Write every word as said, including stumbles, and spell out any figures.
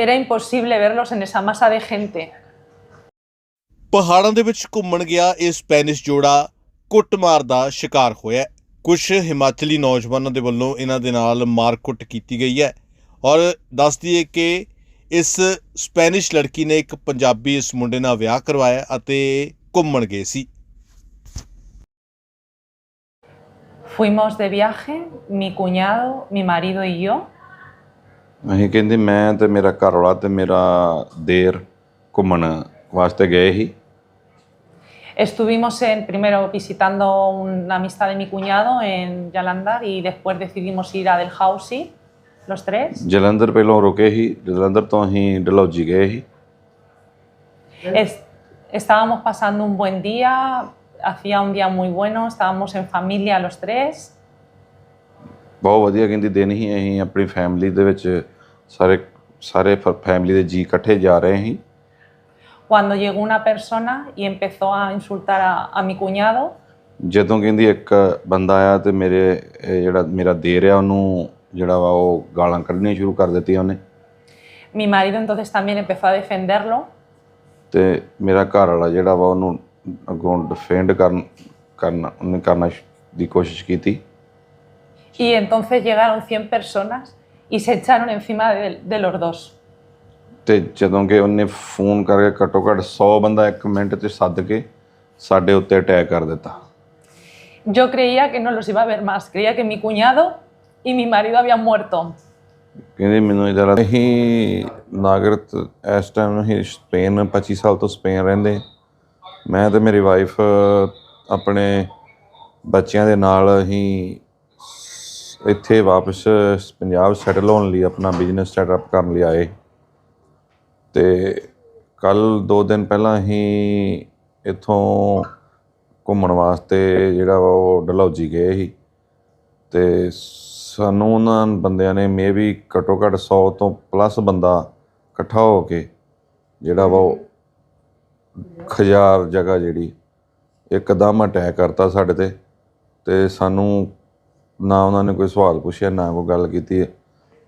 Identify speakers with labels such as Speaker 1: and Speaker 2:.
Speaker 1: Era imposible verlos en esa masa de gente.
Speaker 2: ਪਹਾੜਾਂ ਦੇ ਵਿੱਚ ਘੁੰਮਣ ਗਿਆ ਇਹ ਸਪੈਨਿਸ਼ ਜੋੜਾ ਕੁੱਟਮਾਰ ਦਾ ਸ਼ਿਕਾਰ ਹੋਇਆ। ਕੁਝ ਹਿਮਾਚਲੀ ਨੌਜਵਾਨਾਂ ਦੇ ਵੱਲੋਂ ਇਹਨਾਂ ਦੇ ਨਾਲ ਮਾਰਕੁੱਟ ਕੀਤੀ ਗਈ ਹੈ ਔਰ ਦੱਸ ਦਈਏ ਕਿ ਇਸ ਸਪੈਨਿਸ਼ ਲੜਕੀ ਨੇ ਇੱਕ ਪੰਜਾਬੀ ਇਸ ਮੁੰਡੇ ਨਾਲ ਵਿਆਹ ਕਰਵਾਇਆ ਅਤੇ ਘੁੰਮਣ ਗਏ ਸੀ।
Speaker 1: Fuimos de viaje, mi cuñado, mi marido y yo.
Speaker 3: ਅਸੀਂ ਕਹਿੰਦੇ ਮੈਂ ਤੇ ਮੇਰਾ ਘਰ ਵਾਲਾ ਤੇ ਮੇਰਾ ਦੇਰ ਘੁੰਮਣ ਵਾਸਤੇ ਗਏ ਸੀ।
Speaker 1: Estuvimos en, primero visitando una amistad de mi cuñado en Jalandhar y después decidimos ir a Dalhousie, los tres.
Speaker 3: Jalandhar ਪਹਿਲਾਂ ਰੁਕੇ ਸੀ, ਜਲੰਧਰ ਤੋਂ ਅਸੀਂ ਡਲਹੌਜੀ ਗਏ ਸੀ।
Speaker 1: Es- estábamos pasando un buen día, hacía un día muy bueno, estábamos en familia los tres.
Speaker 3: ਬਹੁਤ ਵਧੀਆ ਕਹਿੰਦੀ ਦਿਨ ਸੀ। ਅਸੀਂ ਆਪਣੀ ਫੈਮਿਲੀ ਦੇ ਵਿੱਚ ਸਾਰੇ ਸਾਰੇ ਫੈਮਿਲੀ ਦੇ ਜੀ ਇਕੱਠੇ ਜਾ ਰਹੇ ਸੀ।
Speaker 1: Cuando llegó una persona y empezó a insultar a, a mi cuñado,
Speaker 3: ਜਦੋਂ ਕਹਿੰਦੀ ਇੱਕ ਬੰਦਾ ਆਇਆ ਤੇ ਮੇਰੇ ਇਹ ਜਿਹੜਾ ਮੇਰਾ ਦੇਰ ਆ ਉਹਨੂੰ ਜਿਹੜਾ ਵਾ ਉਹ ਗਾਲਾਂ ਕੱਢਣੀਆਂ ਸ਼ੁਰੂ ਕਰ ਦਿੱਤੀਆਂ ਉਹਨੇ।
Speaker 1: mi marido entonces también empezó a defenderlo.
Speaker 3: ਤੇ ਮੇਰਾ ਘਰ ਵਾਲਾ ਜਿਹੜਾ ਵਾ ਉਹਨੂੰ ਅੱਗੋਂ ਡਿਫੈਂਡ ਕਰਨ ਕਰਨਾ ਉਹਨੇ ਕਰਨਾ ਦੀ ਕੋਸ਼ਿਸ਼ ਕੀਤੀ।
Speaker 1: Y entonces llegaron cien personas y se echaron encima de, de los dos.
Speaker 3: ਤੇ ਜਦੋਂ ਕਿ ਉਹਨੇ ਫੋਨ ਕਰਕੇ ਘੱਟੋ ਘੱਟ ਸੌ ਬੰਦਾ ਇੱਕ ਮਿੰਟ 'ਚ ਸੱਦ ਕੇ ਸਾਡੇ ਉੱਤੇ ਅਟੈਕ ਕਰ ਦਿੱਤਾ।
Speaker 1: Yo creía que no los iba a ver más, creía que mi cuñado y mi marido habían muerto.
Speaker 3: ਕਹਿੰਦੇ ਮੈਨੂੰ ਇਹਦਾ ਲੱਗਾ ਅਸੀਂ ਨਾਗਰਿਕ ਇਸ ਟਾਈਮ ਅਸੀਂ ਸਪੇਨ ਪੱਚੀ ਸਾਲ ਤੋਂ ਸਪੇਨ ਰਹਿੰਦੇ। ਮੈਂ ਤੇ ਮੇਰੀ ਵਾਈਫ ਆਪਣੇ ਬੱਚਿਆਂ ਦੇ ਨਾਲ ਅਸੀਂ ਇੱਥੇ ਵਾਪਸ ਪੰਜਾਬ ਸੈਟਲ ਹੋਣ ਲਈ ਆਪਣਾ ਬਿਜ਼ਨਸ ਸੈਟਅਪ ਕਰਨ ਲਈ ਆਏ। ਅਤੇ ਕੱਲ੍ਹ ਦੋ ਦਿਨ ਪਹਿਲਾਂ ਅਸੀਂ ਇੱਥੋਂ ਘੁੰਮਣ ਵਾਸਤੇ ਜਿਹੜਾ ਵਾ ਉਹ ਡਲਹੌਜੀ ਗਏ ਸੀ ਅਤੇ ਸਾਨੂੰ ਉਹਨਾਂ ਬੰਦਿਆਂ ਨੇ ਮੇ ਵੀ ਘੱਟੋ ਘੱਟ ਸੌ ਤੋਂ ਪਲੱਸ ਬੰਦਾ ਇਕੱਠਾ ਹੋ ਕੇ ਜਿਹੜਾ ਵਾ ਉਹ ਖਜਾਰ ਜਗ੍ਹਾ ਜਿਹੜੀ ਇੱਕਦਮ ਅਟੈਕ ਕਰਤਾ ਸਾਡੇ 'ਤੇ ਅਤੇ ਸਾਨੂੰ ਨਾ ਉਹਨਾਂ ਨੇ ਕੋਈ ਸਵਾਲ ਪੁੱਛਿਆ ਨਾ ਕੋਈ ਗੱਲ ਕੀਤੀ।